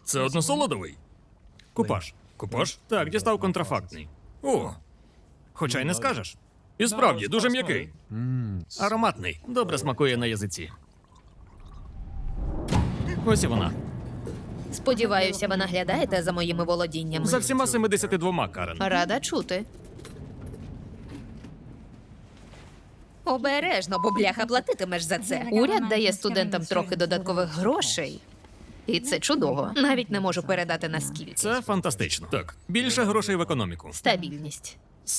Це односолодовий? Купаж. Купаж? Так, дістав контрафактний. О, Хоча й не скажеш. і справді, дуже м'який. Ароматний. Добре смакує на язиці. Ось і вона. Сподіваюся, ви наглядаєте за моїми володіннями. За всіма 72, Карен. Рада чути. Обережно, бо бляха платитимеш за це. Уряд дає студентам трохи додаткових грошей. І це чудово. Навіть не можу передати наскільки. Це фантастично. Так. Більше грошей в економіку. Стабільність.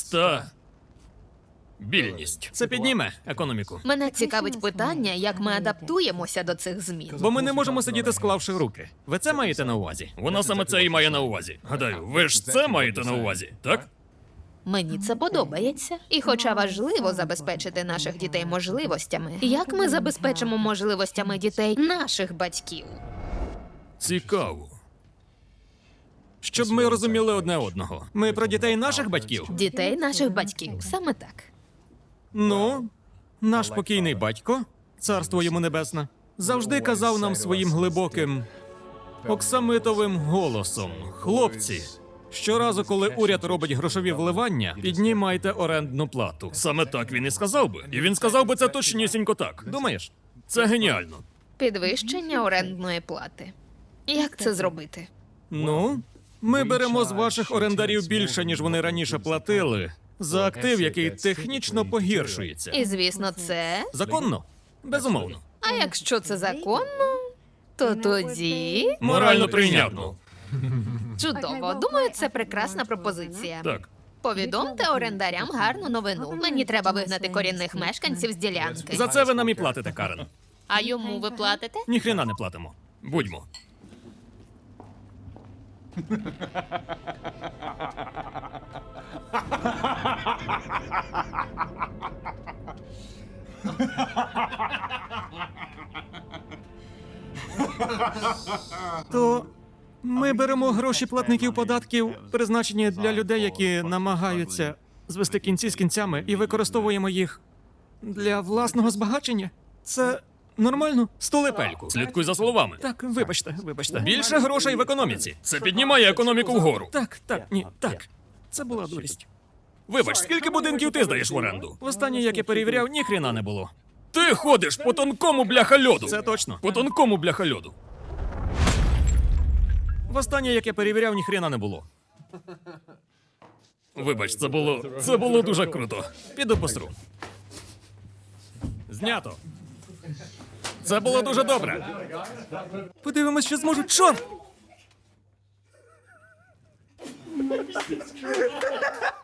Більність. Це підніме економіку. Мене цікавить питання, як ми адаптуємося до цих змін. Бо ми не можемо сидіти, склавши руки. Ви це маєте на увазі? Вона саме це і має на увазі. Гадаю, ви ж це маєте на увазі, так? Мені це подобається. І хоча важливо забезпечити наших дітей можливостями, як ми забезпечимо можливостями дітей наших батьків? Цікаво. Щоб ми розуміли одне одного. Ми про дітей наших батьків? Дітей наших батьків. Саме так. Ну, наш покійний батько, царство йому небесне, завжди казав нам своїм глибоким, оксамитовим голосом: хлопці, щоразу, коли уряд робить грошові вливання, піднімайте орендну плату. Саме так він і сказав би. І він сказав би це точнісінько так. Думаєш? Це геніально. Підвищення орендної плати. Як це зробити? Ну, ми беремо з ваших орендарів більше, ніж вони раніше платили, за актив, який технічно погіршується. І, звісно, це. Законно? Безумовно. А якщо це законно, то тоді Морально прийнятно. чудово. Думаю, це прекрасна пропозиція. Так. Повідомте орендарям гарну новину. Мені треба вигнати корінних мешканців з ділянки. За це ви нам і платите, Карен. А йому ви платите? Ніхрена не платимо. Будьмо. То ми беремо гроші платників податків, призначені для людей, які намагаються звести кінці з кінцями, і використовуємо їх для власного збагачення. Це нормально? Столепельку. Слідкуй за словами. Так, вибачте. Більше грошей в економіці. Це піднімає економіку вгору. Так. Це була дурість. Вибач, скільки будинків ти здаєш в оренду? Востаннє, як я перевіряв, ніхрена не було. Ти ходиш по тонкому бляха льоду. Це точно. По тонкому бляха льоду. Востаннє, як я перевіряв, ніхрена не було. Вибач, це було дуже круто. Піду посру. Знято. Це було дуже добре. Подивимось, що зможу. Чорт!